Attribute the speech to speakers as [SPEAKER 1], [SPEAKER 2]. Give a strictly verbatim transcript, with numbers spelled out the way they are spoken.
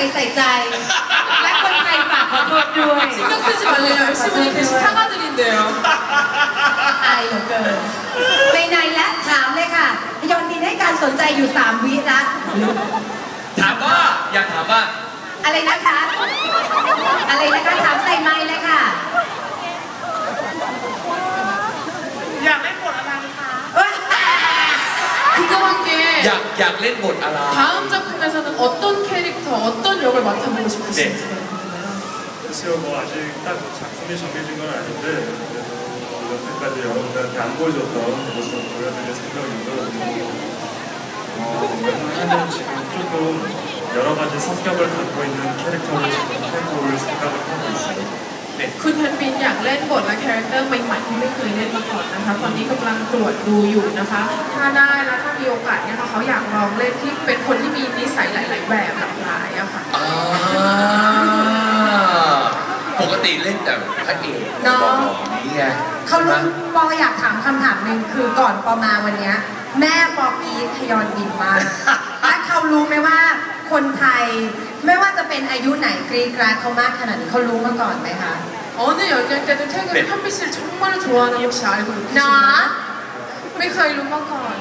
[SPEAKER 1] ใส่ใจและคนไทยฝากขอโทษด้วย
[SPEAKER 2] 신경 쓰지 말래요. 열심히 대신 사과드린대요.
[SPEAKER 1] อายเหลือเกินในในและถามเลยค่ะยอนบินให้การสนใจอยู่สามวิละ
[SPEAKER 3] ถามว่าอยากถามว่า
[SPEAKER 1] อะไรนะคะอะไรนะคะถามใส่ไมค์เลยค่ะ
[SPEAKER 2] อยากเล่นบทอะไรคะ궁금한 게
[SPEAKER 3] อยากอยากเล่นบทอะไร
[SPEAKER 2] 다음 작품에서는 어떤 캐릭터, 어떤 역을 맡아보고 싶으신지.
[SPEAKER 4] 글쎄요, 뭐 아직 딱 작품이 정해진 건 아닌데 그래도 여태까지 여러분들한테 안 보여줬던 모습 보여드릴 생각이고 어, 웬만하면 지금 조금 여러 가지 성격을 갖고 있는 캐릭터를 지금 해볼 생각을 하고 있어요.
[SPEAKER 2] คุณฮันบินอยากเล่นบทและคาแรคเตอร์ใหม่ๆที่ไม่เคยเล่นมาก่อนนะคะตอนนี้กำลังตรวจดูอยู่นะคะถ้าได้แล้วถ้ามีโอกาสเนี่ยเขาอยากลองเล่นที่เป็นคนที่มีนิสัยหลายๆแบบหลากหลายอะค่ะ
[SPEAKER 3] ปกติเล่นแต่พระเอกน้องนี่ไง
[SPEAKER 1] เขารู้ปออยากถามคำถามหนึ่งคือก่อนปอมาวันนี้แม่ปอกีทยอนบินมาและเขารู้ไหมว่าคนไทยไม่ว่าจะเป็นอายุไหนกรีดกราดเขามากขนาดนี้เขารู้มาก่อนไหมคะ
[SPEAKER 2] 어느 연령 때든 태국이 한비 씨를 정말 좋아하는 혹시 알고 계시나요?
[SPEAKER 1] เนาะ
[SPEAKER 2] ไม่เคยรู้มาก่อน